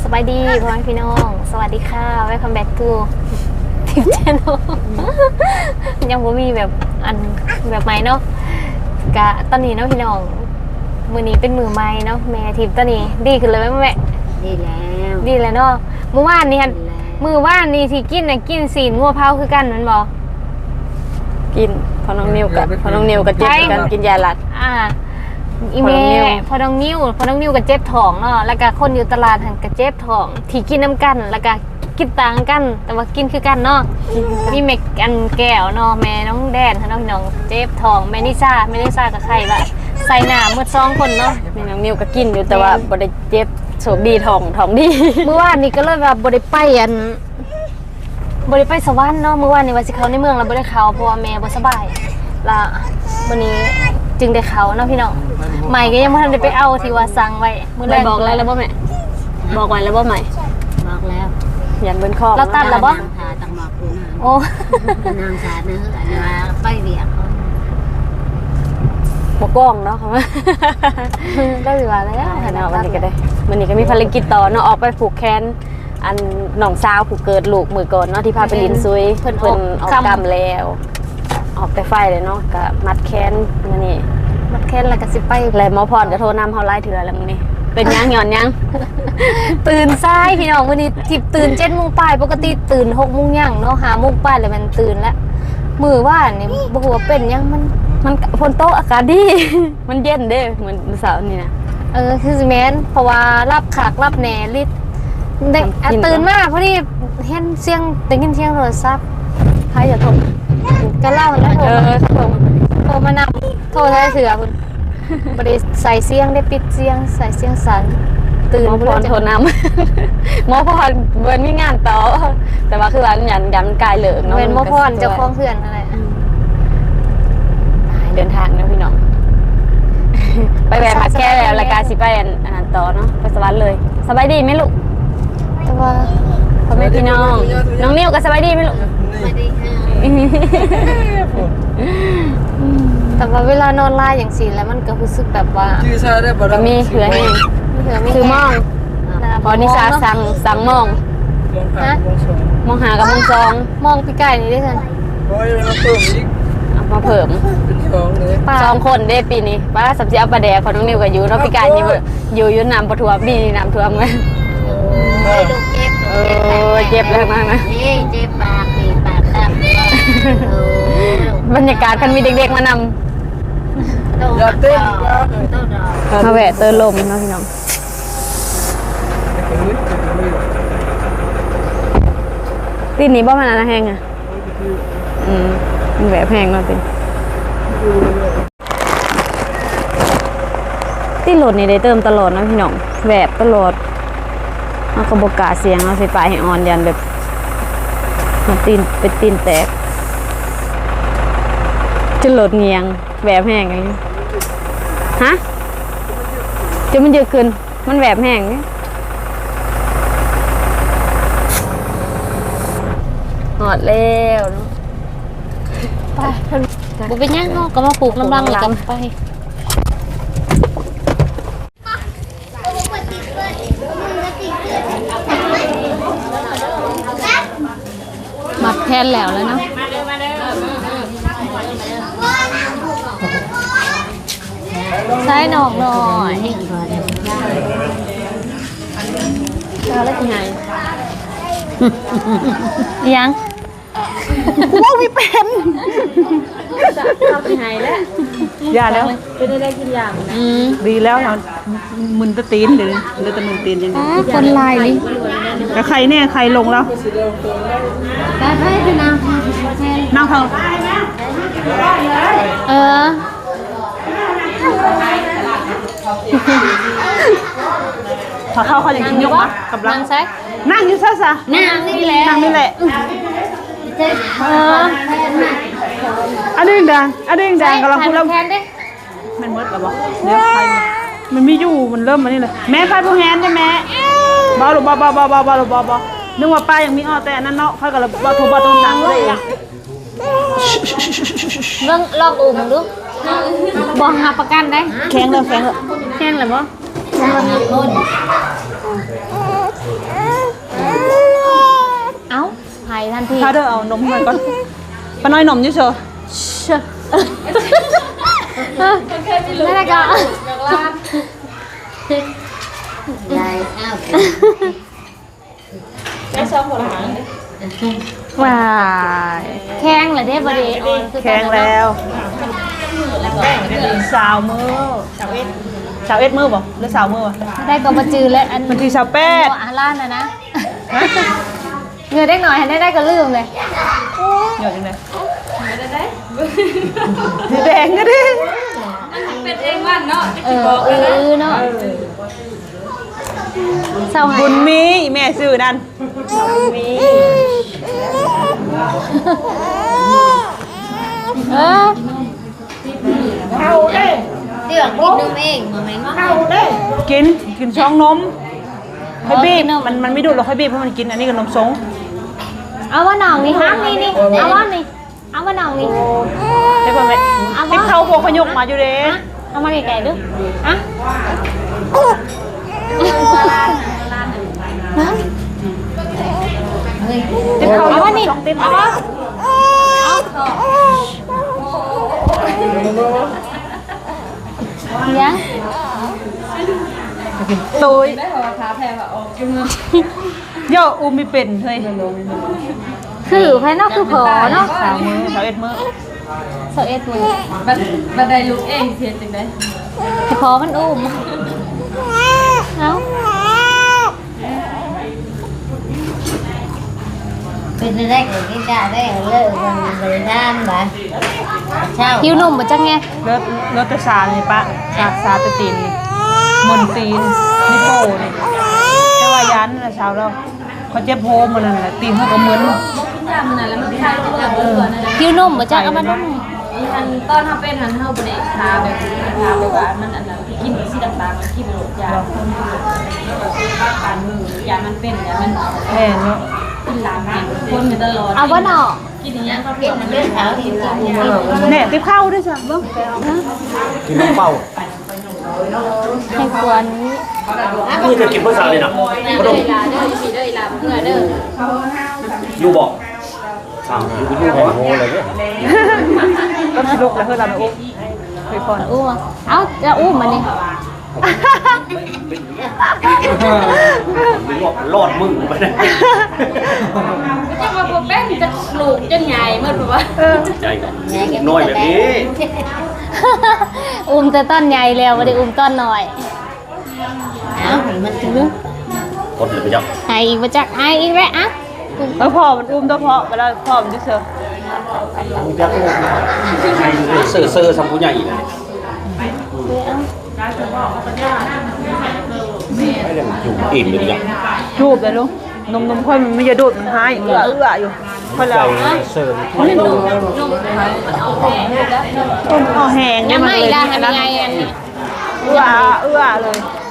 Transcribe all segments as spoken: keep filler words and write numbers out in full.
บายดีพ่อแม่พี่น้องสวัสดีค่ะ welcome back to ทิป channel ยังบ่มีแบบอันแบบใหม่เนาะกะตอนนี้เนาะพี่น้องมือนี้เป็นมือใหม่เนาะแม่ทิปตอนนี้ดีขึ้นเลยไหมแม่ดีแล้วดีแล้วเนาะเมื่อวานนี้ฮันมือว่านนี่ที่กินน่ะกินสีนงัวเผาคือกันมันบ่กินพอน้องนิวกับพอน้องนิวกับเจ็บกันกินยาหลัดอ่าอีเมลพอน้องนิ้วพอน้องนิ้วกับเจ็บท้องเนาะแล้วก็คนอยู่ตลาดหันกับเจ็บท้องที่กินน้ำกันแล้วก็กินต่างกันแต่ว่ากินคือกันเนาะมีเมกอันแก้วเนาะแม่น้องแดนน้องน้องเจ็บท้องแม่นิซ่าแม่นิซ่ากับใครวะใส่หน้ามืดสองคนเนาะแม่น้องนิวก็กินอยู่แต่ว่าบ่ได้เจ็บโชคดีท้องท้องดีเมื่อวานนี้ก็เลยแบบบ่ได้ไปอันบ่ได้ไปสวรรค์เนาะเมื่อวานนี้ว่าสิเขาในเมืองแล้วบ่ได้เขาเพราะว่าแม่บ่สบายละวันนี้จึงได้เขาเนาะพี่น้องใหม่ก็ยังไม่ทันได้ไปเอาที่ว่าสั่งไว้มื้อแรกบอกแล้วแล้วบ่แม่บอกไว้แล้วบ่ใหม่บอกแล้วยันเบิ่นคอเราตัดแล้วบ่ทาตังบอกคุณโอ้นางสาเนื้ออันนี้ว่าไปเวียกเขาบ่กล้องเนาะค่ะได้เวลาแล้วเนาะวันนี้ก็ได้วันนี้ก็มีภารกิจต่อเนาะออกไปผูกแขนอันน้องสาวผู้เกิดลูกมื้อก่อนเนาะที่พาไปลินซุยเพิ่นเพิ่นออกกรรมแล้วออกแต่ไฟเลยเนาะก็มัดแขนมื้อนี้มัดแขนแล้วก็สิไปแล้วหมอพรก็โทรนำเฮาหลายเทื่อแล้วมื้อนี้เป็นยังหย่อนยังตื่นสายพี่น้องวันนี้ทิพตื่นเจ็ดโมงปลายปกติตื่นหกโมงย่างเนาะห้าโมงปลายแล้วมันตื่นแล้วมือว่านี่บ่ฮู้ว่าเป็นยังมันมันฝนตกอากาศดีมันเย็นเด้เหมือนเสาร์นี่นะเออคือสิแม่นเพราะว่ารับขากรับแหน่ลิได้ตื่นมาพอดีเห็นเสียงได้ยินเสียงโทรศัพท์ใครจะโทรก็เล่าแล้วโทรมาโทรโทรมานำโทรใช้เสือคุณบริใส่เสียงได้ปิดเสียงใส่เสียงสั่นตื่นหมอพรโทรนำหมอพรเบิร์นมีงานต่อแต่ว่าคือว่ายันยันกายเหลืองเนาะเป็นหมอพรเจ้าของเพื่อนอะไรเดินทางนะพี่น้องไปแวะมาแก้แล้วรายการสิไปอันนั้นต่อเนาะไปสวรรค์เลยสบายดีไหมลูกแต่ว่าพ่อแม่พี่น้องน้องนิ้วก็สบายดีไหมลูกสบายดีค่ะแต่ว่าเวลานอนไล่อย่างสีแล้วมันก็รู้สึกแบบว่าก็มีเหือแห้งคือมองพอนิสาสั่งสั่งมองนะมองหากับมองซองมองพี่ไก่นี่ได้ทันมาเพิ่มสองคนได้ปีนี้ป้าสับเจียวปลาแดกของน้องนิวกับยูน้องพี่กายนี่อยู่อยู่น้ำปะทัวปีนี้น้ำท่วมเลยเออเจ็บเลยมากนะเจ็บปากปีปากตับบรรยากาศคันมีเด็กๆมานำมาแหวะเตอร์ลมนะพี่น้องตีนี้บ้ามันอะไรแห้งอ่ะอืมมันแหวะแพงมาเป็นตีโหลดนี่ได้เติมตลอดนะพี่น้องแหวะตลอดเอากระบอกกาเสียงเอาใส่ปลายให้อ่อนยันแบบมันตีนเป็นตีนแตกจะโหลดเงียงแหวบแห้งอย่างนี้ฮะจะมันเยอะขึ้นมันแหวบแห้งนี่หอดแล้วเนาะไปบุเป็นยังเขาก็มาปลูกน้ำรังเลยกันไปมัดแทนแล้วแล้วเนาะใช้หนอกหน่อยแล้วแล้วยังไงยังว้าวมีเป็นทำยังไงแล้วยาแล้วเป็นได้กินยาดีแล้วเรามึนตะตีนเลยเลือดตะมึนตีนยังไงคนลายนี่แต่ใครเนี่ยใครลงแล้วได้ให้คือนางนางเขาเออพอเข้าเขาอย่างกินยกวะกับเรานั่งอยู่ซะซะนั่งนี่แหละนั่งนี่แหละเอออันนี้ดังอันนี้ดังกำลังพูดแล้วมันมืดหรอบอกเดี๋ยวใครมันไม่อยู่มันเริ่มมานี่เลยแม่ใครพูดแฮนได้แม่บอลหรือบอลบอลบอลบอลบอลบอลบอลนึกว่าป้ายังมีอ้อแต่นั่นเนาะค่อยกับเราบอลถูบอลตรงสั่งเลยลองลองอุ่มดูบองหาประกันได้แข็งเลยแข็งเลยแข็งเลยบ่คนเอ้าหายทันทีถ้าเด้อเอานมให้ก่อนป้าน้อยนมอยู่เชอเชื่อไม่ได้ก็ยายอ้าวว้ายแข้งเหรอเด้บริเออนแข็งแล้วสาวมือสาวเอ็ดสาวเอ็ดมือบ่หรือสาวมือบ่ได้ก็มาจือแล้วอันบางทีสาวแปดอาล่านนะนะเงินได้หน่อยได้ได้ก็ลืมเลยหยดยังไงสีแดงก็ดิเป็นเองว่าเนาะเออเออเนาะเศร้าหาบุยญมีแม่ซื้อนั่นบุญมีเออเข้าเด้เดี๋ยวกินนมเองมาไหมว่าเข้าเด้กินกินช่องนมค่อยบีบมันมันไม่ดูดหรอกค่อยบีบเพราะมันกินอันนี้กับนมสงเอาว่าหน่องนี่ห้ามนี่นี่เอาว่านี่เอาว่าหน่องนี่ได้ป่ะแม่ที่เข้าพวกขยกมาอยู่เด้เอามาไกลๆดูอ่ะฮะที่เข้าเอาว่านี่สองติดเอาว่ายังตุยได้บอกว่าขาแพงว่าออกจุ่มย่ออูมีเป็นเฮ้ยคือภายนอกคือพอเนาะสาวมือสาวเอ็ดมือเสาเอ็ดมือบัดบัดได้ลูกเองเสียจังได๋ให้พอมันอุ้มเอาเป็นได้ก็กินได้ได้เลิกมันเลยด้านบ่เช่าหิวหนุ่มมาจังไงเลิศเลิศแต่สานี่ปะสาสาแตะตีนนี่มนตีนนิโป้นี่แต่ว่ายันน่ะสาวเราเขาเจ็บโฮมมันนั่นแหละตีนเขาก็เหมือนยามนั้นแล้วมันคลายลงแบบเบื่อนั่นแหละหิวหนุ่มมาจังเอามานุ่มอันตอนเฮาเป็นหันเฮาบ่ได้ทาแบบทาแบบว่ามันอันนั้นกินสีต่างๆมันกินโรคยาคนการมือยามันเป็นยามันแม่เนาะกินหลามเป็นคนมาตลอดเอาว่าหน่อกินอย่างนี้ก็เปลี่ยนมันเป็นขาวที่กินแหน่ติบเข้าด้วยจ้ะเบิ่งกินน้ำเปล่าให้ควรนี่จะกินเพื่อสาวเลยนะพระดมเวลาเด้อสิเด้ออีหลาเพื่อเด้ออยู่บอกอ้าวอยู่อยู่หัวโหเลยเนี่ยก็สนุกแล้วเฮ้ยเราอุ้มไปก่อนอุ้มเอาจะอุ้มมันนี่รอดมึงไปเลยจังว่าบ่เป็นจะลูกจนใหญ่หมดบ่ว่าใจกันน้อยแบบนี้อุ้มแต่ต้นใหญ่แล้วไม่ได้อุ้มต้นหน่อยเอ้ามันถึงคนเลยไปจับให้อีกมาจากให้อีกแล้วอ่ะเออพ่อมันอุ้มตัวพ่อเวลาพ่อมันจะเสือเซ่อเซ่อสัมผู้ใหญ่เลยไม่ได้อยู่อิ่มเลยจังจูบเลยลูกนมนมค่อยมันไม่จะดูดมันหายเอื้อเอื้ออยู่ค่อยแล้วเซ่อนี่นมต้มเอาแห้งยังไม่เลยได้ทำยังไงอันนี้เอื้อเอื้อเลย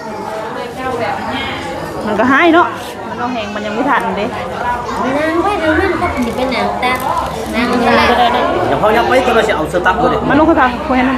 มันก็หายเนาะมันเอาแห้งมันยังไม่ทันเด้นางไว้ดูมันก็สิเป็นนางตานางอะไรอย่าเขายับไว้ก็เราจะเอาเสื้อตับเลยมันลงกระทางคุยให้มัน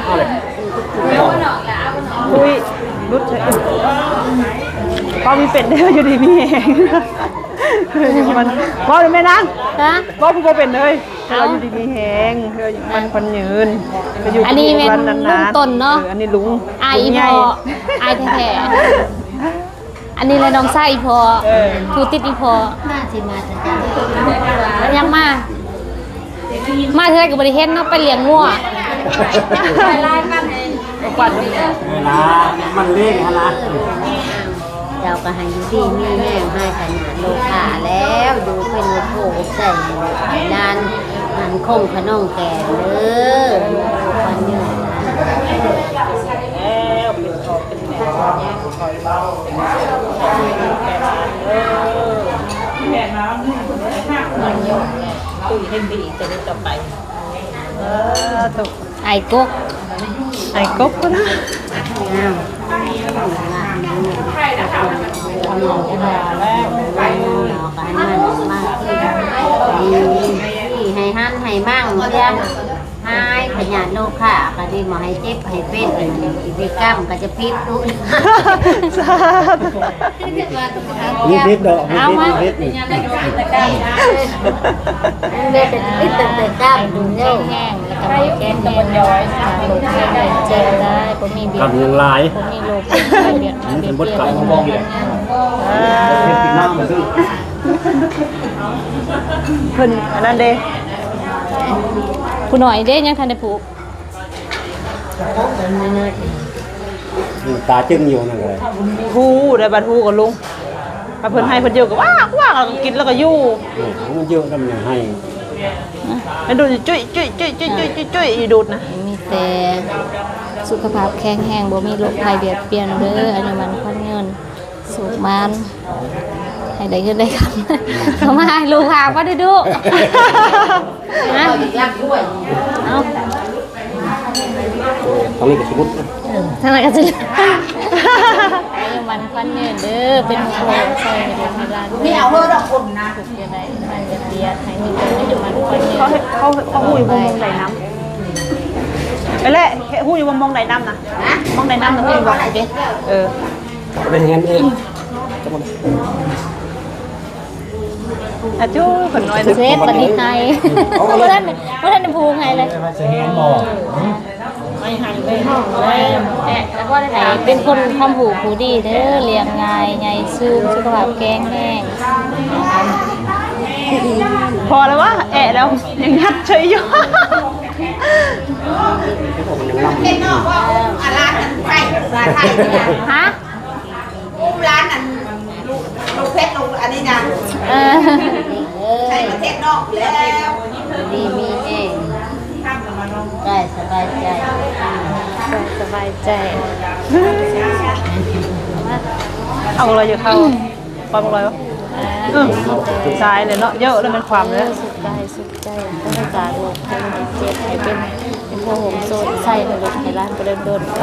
คุยรุดเลยพอมีเป็ดได้อยู่ดีมีแห้งมันพอหรือไม่นางฮะพอผู้บ่เป็นเลยเราอยู่ดีมีแห้งเธอมันคนยืนอยู่อันนี้เป็นวันนานลุงต้นเนาะอันนี้ลุงอายอีพออายแท้ๆอันนี้เลยน้องไส้อีพอทูติดอีพอมาสิมาจะยังมา มาเธอกับบริเฮ็ดเนาะไปเลี้ยงงัวไล่กันให้ควันเวลามันเล่นนะเราก็ให้อยู่ดีมีแห้งให้ขนาดโลกาแล้วดูเป็นโลโก้ใส่นานหันคงขนองแก่เด้อวันเยอะตุ้ยเห็นดีจะได้ต่อไปเออตุไอ้กกไอ้กบก็นะอ้าวหลอกกันแล้วหลอกกันมันมากที่ให้หันให้มั่งเสียให้ให้ขยันโลกค่ะก็ดีมาให้เจ็บให้เป็นกิจกรรมก็จะพิษดูสาธุมีพิษดอกมีเอาพิษมามีพิษนี่เด็กเป็นพิษแต่แต่กล้ามดูเร็วแห้งแล้วก็ไม่แก้แห้งย้อยลงแห้งเจ็บได้ผมมีเบียกับดยังลายผมมีโลเบียดมันเป็นบทกลับมามองอยู่เห็นปีหน้ามาซื้อเพิ่นอันนั้นเด้ผู้หน่อยเด้ยังทันได้ผูกตาจึงอยู่นั่นเลยฮู้ได้บัดฮู้กับลุงถ้าเพิ่นให้เพิ่นเยอะก็ว้ากว้ากแล้วก็กินแล้วก็อยู่มันเยอะทำยังให้ให้ดูจุ้ยจุ้ยจุ้ยจุ้ยจุ้ยจุ้ยจุ้ยอีดูดนะมีแต่สุขภาพแข็งแรงบ่มีโรคภัยเบียดเบียนเด้ออันนี้มันคนเงินสุขมันให้ได้เงินได้คำเขามาให้ลูกหาบ่ได้ดุนะรักด้วยเอาตอนนี้ก็สมมติทางไหนก็จะอันนี้มันคนเงินเด้อเป็นโครงใส่ให้ดูให้ร้านนี่เอาเฮอดอกคนนะถูกยังไงมันจะเบียดให้มีเงินให้มันคนเงินเขาเฮ็ดเขาเขาฮู้อยู่วงมองไหนน้ำไปแหละฮู้อยู่วงมองไหนน้ำนะมองไหนน้ำนะฮู้อยู่บ่โอเคเออเป็นเงินเองอาจูเพิ่นน้อยเซฟปณิไทยเมื่อนั้นเมื่อนั้นภูงไงเลยจะเห็นบ่แล้วก็ได้เป็นคนทำหูผูดีเด้อเลี้ยงง่ายใหญ่ซื่อสุขภาพแข็งแรงพอแล้ววะแอะแล้วยังยัดเฉยอยู่เด็กนอกว่าอาร้านนั้นไทยร้านไทยเนี่ยฮะอุ้มร้านนั้นลูกลูกเพชรลูกอันนี้นะเออใช่ประเทศนอกแล้วดีมีเองได้สบายใจสบายใจเอาอะไรอยู่เข้าความอะไรวะเออสายเลยเนาะเยอะแล้วมันความเลยสุขใจสุขใจต้องรักษาโรคให้มันเจ็บให้เป็นเป็นพวกหงโซนใส่ให้รถให้ร้านก็เดินโดน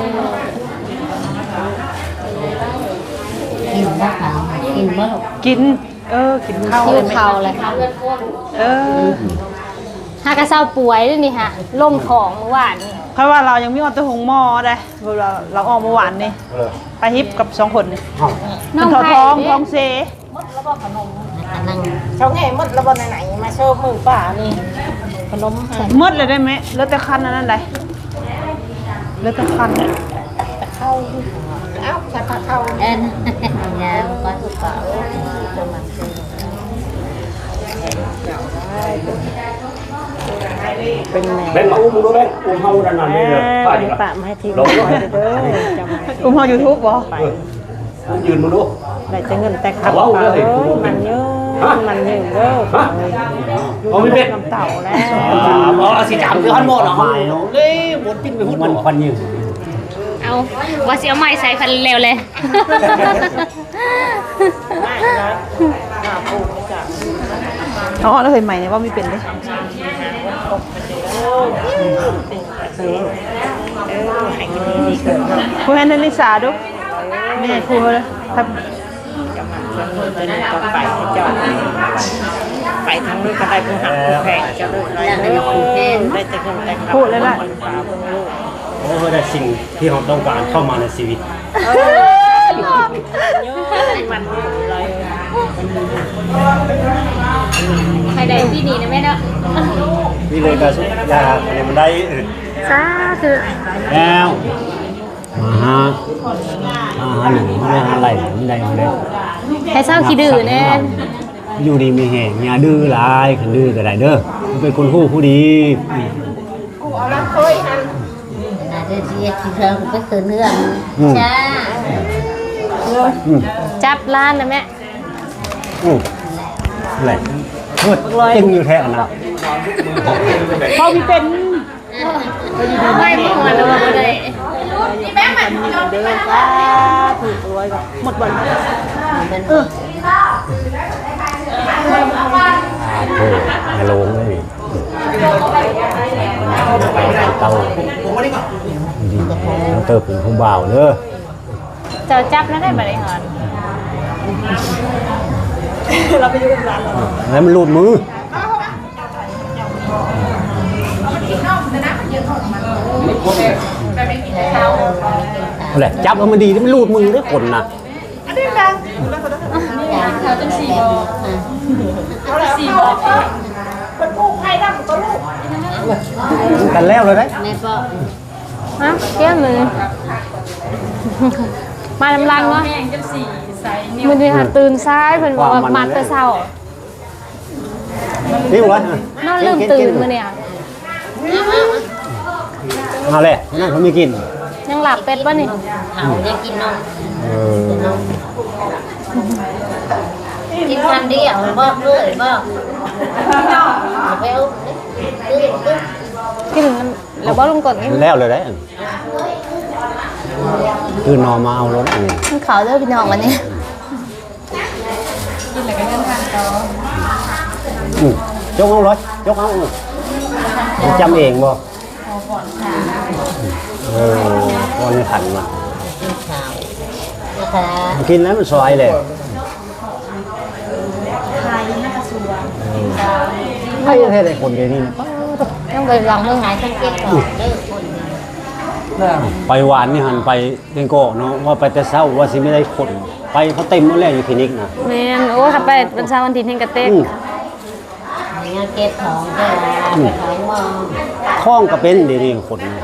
กินบ้าค่ะกินบ้าหรอกกิน เออกินข้าวคิเลวยไหมเข่าเลยเออหากระเซ้าป่วยด้วยนี่ฮะล่มของเมื่อวานนี่เพราะว่าเรายังมีออโต้หงหม้อได้เราเราออกเมื่อวานนี่ไปฮิปกับสองคนนี่มันทอทองทองเซนั่งเขาไงมดระบนไหนๆมาโชว์มือป่านี่ขนมหมดเลยได้ไหมเหลือแต่คันอันนั้นได้เหลือแต่คันเนี่ยเข้าเอ้าชักเข้าเอ็นยาวก็ถูกเปล่าจะมาซื้อเป็นแม่แม่มาอุ้มดูแม่อุ้มเฮาดันนั่นนี่เลยป้าดิปะมาให้ทีมลงคอยเด้อจำไว้อุ้มเฮายูทูบบ่ยืนมาดูได้จะเงินแต่ขับเอ้ยมันเยอะมันเยอะเด้อเอาไม่เป็นน้ำเต่าแล้วอ๋อสิจามคือฮันหมดเหรอเลยหมดปิ้นไปหุ่นมันควันยิงเอาว่าสิเอาไม้ใส่พันเร็วเลยอ๋อแล้วเห็นใหม่เนี่ยว่ามีเป็นเลยครูแฮนด์ลิสาดูแม่ครูครับจะนี่ก็ไปจอดไปทางนู้นก็ได้ผู้หักผู้แพงจะเลิกไรเด้อได้จะเงินแต่ขับพูดเลยล่ะโอ้ได้สิ่งที่เราต้องการเข้ามาในชีวิตมันอะไรใครได้ที่นี่นะแม่เนาะนี่เลยก็ยาอะไรมันได้อื่นสาธุแล้วมาฮะมาฮะหนึ่งมาฮะอะไรมันได้มันได้ให้เศร้าขี้ดื้อแน่อยู่ดีมีแห่งอย่าดื้อหลายขันดื้อก็ได้เด้อเป็นคนฮู้ผู้ดีน่าจะเสียที่เราไปคืนเรื่องจ้าอืมจับร้านนะแม่อืมอะไรเฮ้ยตึงอยู่แท้อันนะพอมีเป็นไม่พอแล้วว่าบ่ได้เด้อจ้าถูกรวยกับหมดบอลเออโอ้ยลงเลยไปเตาดีเราเติบเป็นผู้บ่าวเด้อเจ้าจับแล้วได้บ่ได้หอนเราไปอยู่กับร้านเราแล้วมันหลุดมือแหละจับเอามันดีมันรูดมือได้คนนะอันนี้ดังเขาจังสี่บอสี่บอเป็นผู้ไพ่ดังตัวลูกกันแล้วเลยได้แม่ก็ฮะเกี้ยมือ มาลำลังเนาะแห้งจังสี่ใส่นิ้วมันมีหาตื่นซ้ายเพิ่นบอกว่ามัดแต่เช้านี่วะนอนลืมตื่นมื้อเนี่ยเอาเลยนั่นเขาไม่กินยังหลับเป็ดป่ะนี่เขาจะกินนมเออกินทันเดียวบอกเลยบอกไปเอากินแล้วบ่ลงกดกินแล้วเลยได้คือนอนมาเอารถอันนี้มันขาวเด้อพี่น้องวันนี้กินแล้วก็เดินทางต่ออืมยกเอารถยกเอาจำเองบ่เออวันนี้ขันมาข่าวนะคะกินแล้วมันสวยเลย ใครจะเทศไอ้คนเดียวนี่นะต้องไปลองเรื่องขายทั้งเจ็ดก่อนเลิกคนไปหวานนี่หันไปเดงโก้เนาะว่าไปแต่เช้าว่าสิไม่ได้คนไปเขาเต็มหมดแล้วอยู่คลินิกนะแม่นโอ้ถ้าไปวันเสาร์วันอาทิตย์เฮงกระเต็กอืมงานเก็บของก็ไปขายมองท้องก็เป็นเดี๋ยวนี้คนนะ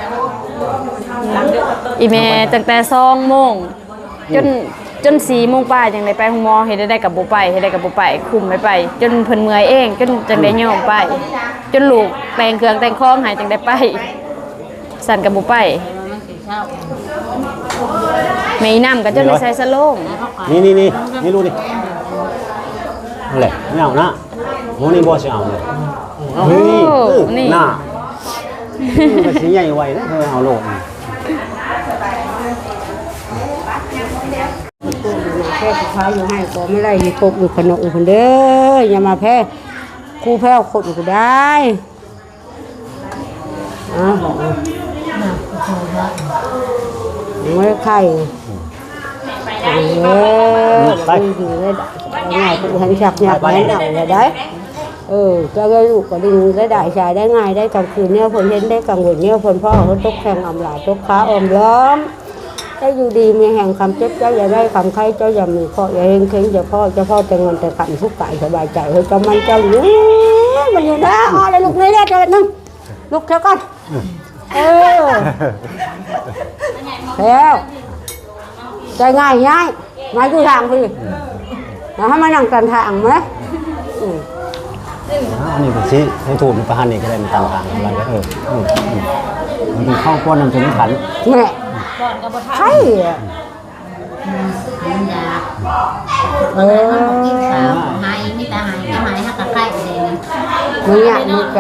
อีเมตั้งแต่สองโมงจนจนสี่โมงป้ายจังได้ไปห้องหมอเฮ็ดได้กับบ่ไปเฮ็ดได้กับบ่ไปคุมไม่ไป จนเพิ่นเมื่อยเองจนจังได้ยอมไป จนลูกแต่งเครื่องแต่งของให้จังได้ไปสั่นกับบ่ไปมันสิเช่าแม่อีน้ำก็จนได้ใส่สโลงนี่นี่นี่นี่รู้ดิเอาแหละไม่เอานะโมนี่บอสเอาเลยเฮ้ยเออหน้ามันสิใหญ่ไวนะเธอเอาโลกแพ้ขายอยู่ให้ก็ไม่ได้อยู่ครบอยู่ขนมอยู่คนเด้ออย่ามาแพ้ครูแพ้ครบอยู่ก็ได้อ่ะบอกไม่ไข่เออไปอยู่ได้ง่ายกูหันฉักหยักแม่เอาเลยได้เออจะได้ลูกก็ดึงได้ได้ชายได้ง่ายได้กลางคืนเนี่ยคนเห็นได้กลางวันเนี่ยคนพ่อเขาตกแข่งอำลาตกขาอมล้อมได้อยู่ดีมีแห่งคำเจ็บเจ้าอย่าได้คำไข้เจ้าอย่ามีข้ออย่าเฮงเข่งอย่าพ่อเจ้าพ่อแต่เงินแต่ขันทุกข์กายสบายใจเฮ้ยเจ้ามันเจ้าอยู่มันอยู่นะอ๋อเลยลูกนี่เรียกเจ้าหนึ่งลูกเท่ากันเออแล้วใจง่ายง่ายไม่คือทางพี่นะให้มานั่งกันทางไหมอันนี้ก็สิให้ถูกประหารนี่ก็ได้มันต่างๆอะไรก็เอออืมอืมมันเป็นข้าวก้อนน้ำจนขันแม่ใช่อะมันอยากเอเอออกินข้าวหายมีแต่หายก็หายหักกะไข่เลยนะมึงอยากมึงจะ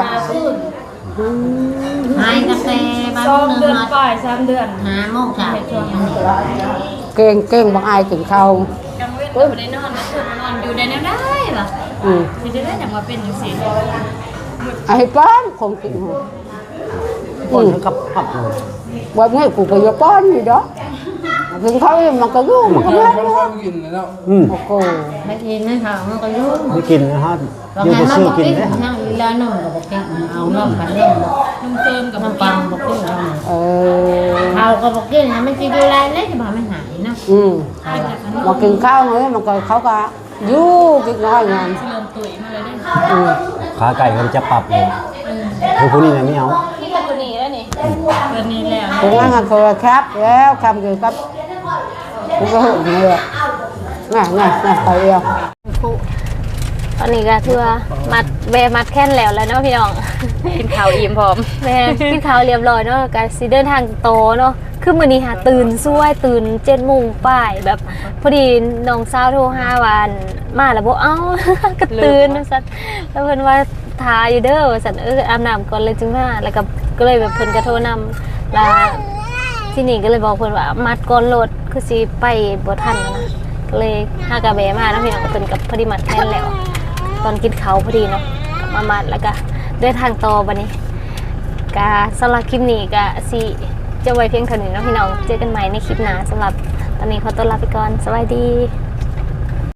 หายกาแฟบ้านสองนึงเดือนมาปลายสามเดือนหาโมงเช้าเก่งเก่งบางอายถึงเขากลางเว้นอยู่ได้นอนก็คือนอนอยู่ได้แนวได้ล่ะอืมไม่ได้ได้อย่างว่าเป็นจังซี่ไอ้ป้อนคงกินหัวก้อนกับผับวันนี้กูไปยาป้อนอยู่đóถึงเขาเองมันก็ยุ่งมันก็ไม่รู้อืมโอ้โหไม่กินไม่ทำมันก็ยุ่งไม่กินนะฮะบางยืงานไปมันซื้อบอกกินกินได้นั่งอีลาหน่อยก็บอกกินเอาน้ำกันเล่นนุ่มเติมกับน้ำปังบอกกินเอาเออเขาก็บอกกินนะมันจะดูแลเล็กจะบอกไม่หายนะอืมมากินข้าวเฮ้ยมันก็เขาก็ยุ่งกินน้อยงานเริ่มตุ๋ยมาเลยได้อืมขาไก่เขาจะปรับเลยคือพวกนี้เนี่ยไม่เอานี่เป็นตัวนี้แล้วนี่เดือนนี้แล้วถึงงั้นก็คือครับแล้วคำเกี่ยวกับกูก็หึงเลยง่ายง่ายง่ายไปเดียวตอนนี้ก็ถือว่ามัดแบมัดแค่นแล้วแล้วเนาะพี่น้องกินข้าวอิ่มพร้อมแม่กินข้าวเรียบร้อยเนาะก็สิเดินทางโตเนาะคือมื้อนี้หาตื่นสวยตื่นเจ็ดโมงป้ายแบบพอดีน้องสาวโทรหาวันมาแล้วบ่เอ้า ก็ตื่นซั่นแล้วเพิ่นว่าทาอยู่เด้อว่าซั่นเอออาบน้ำก่อนเลยจึงมาแล้วก็ก็เลยแบบเพิ่นก็โทรนำแล้วที่นี่ก็เลยบอกเพิ่นว่ามัดก่อนรถคือสิไปบ่ทันนะก็เลยหากะแบมาเนาะพี่น้องก็เพิ่นกับพอดีมัดแทนแล้ว ตอนกินเขาวพอดีเนาะมามัดแล้วก็เดินทางต่อบัดนี้ก็สำหรับคลิปนี้ก็สิจะไว้เพียงเท่านี้เนาะพี่น้องเจอกันใหม่ในคลิปหน้าสำหรับตอนนี้ขอตัวลาไปก่อนสวัสดี